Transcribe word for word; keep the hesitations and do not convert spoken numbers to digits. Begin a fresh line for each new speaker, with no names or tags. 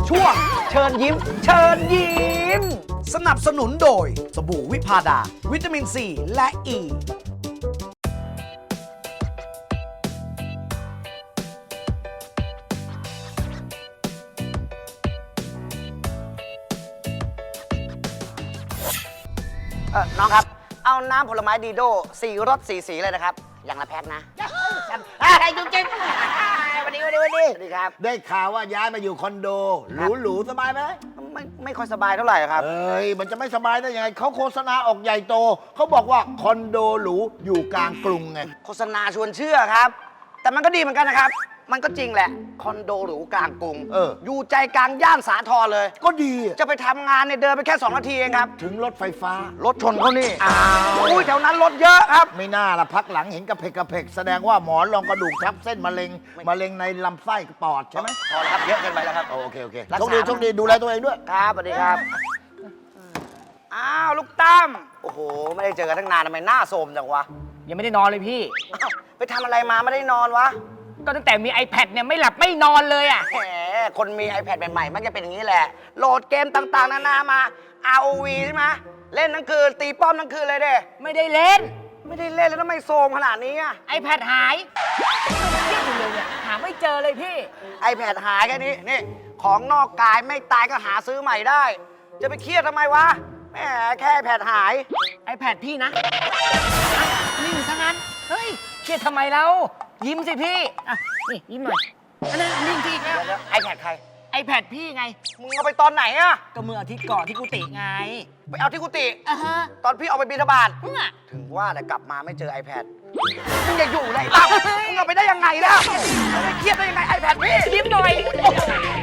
ช่วงเชิญยิ้ม เชิญยิ้ม สนับสนุนโดยสบู่วิพาดา วิตามินซีและอ e. ีเออน้องครับ เอาน้ำผลไม้ดีโดสี่รสสี่สีเลยนะครับ อย่างละแพ็คนะไอ้จุ๊บจิ๊บวันนี้วันนี้วันนี้สวัสดีครับ
ได้ข่าวว่าย้ายมาอยู่คอนโด หรูหรูสบายไหม
ไม่ไม่ค่อยสบายเท่าไหร่ครับ
เอ้ย มันจะไม่สบายได้ยังไงเขาโฆษณาออกใหญ่โต เขาบอกว่าคอนโดหรูอยู่กลางกรุงไง
โฆษณาชวนเชื่อครับ แต่มันก็ดีเหมือนกันนะครับ มันก็จริงแหละ คอนโดหรูกลางกรุง
เออ
อยู่ใจกลางย่านสาทรเลย
ก็ดีอะ
จะไปทำงานเนี่ยเดินไปแค่สองนาทีเองครับ
ถึงรถไฟฟ้า
รถชนเขานี่
อ้าว
อุ้ยแถวนั้นรถเยอะครับ
ไม่น่าละพักหลังเห็นกระเพกกระเพกแสดงว่าหมอนรองกระดูกทับเส้นมะเร็งมะเร็งในลำไส้ปอดใช่ไหม
พอแล้วครับ เยอะเกินไปแล้วครับ
โอเคโอเค
รักษา
โชคดีโชคดีดูแลตัวเองด้วย
ครับสวัสดีครับ อ้าว ลูกตั้ม โอ้โห ไม่ได้เจอกันตั้งนานทำไมหน้าโทรมจังวะ
ยังไม่ได้นอนเลยพี่
อ้าวไปทำอะไรมาไม่ได้นอนวะ
ก็ตั้งแต่มี iPad เนี่ยไม่หลับไม่นอนเลยอ่ะ
แหม คนมี iPad ใหม่ๆ มันจะเป็นอย่างนี้แหละ โหลดเกมต่างๆ นานามา อาร์ โอ วี ใช่ไหมเล่นทั้งคืน ตีป้อมทั้งคืนเลยเด้
ไม่ได้เล่น
ไม่ได้เล่นแล้วทำไมโซมขนาดนี้อะ
iPad หายเครียดอยู่เลยเนี่ยหาไม่เจอเลยพี่
iPad หายแค่นี้ นี่ ของนอกกายไม่ตายก็หาซื้อใหม่ได้ จะไปเครียดทำไมวะ แหม แค่ iPad หาย
iPad พี่นะนิ่งซะงั้น เฮ้ย เครียดทำไมเรายิ้มสิพี่อ่ะนี่ยิ้มหน่อยอันนั้นนิ่งสิอีกแล้ว
เดี๋ยวๆ iPad ใคร
iPad พี่ไง
มึงเอาไปตอนไหนอะ
ก็เมื่ออาทิตย์ก่อนที่กุฏิไง
ไปเอาที่กุฏิ
อ่ะฮะ
ตอนพี่เอาไปบิณฑบาต
มึงอ่ะ
ถึงว่าแต่กลับมาไม่เจอ iPad มึงจะอยู่ไหนบ้างมึงเอาไปได้ยังไงแล้วไม่เครียดได้ยังไง iPad พี่
ยิ้มหน่อย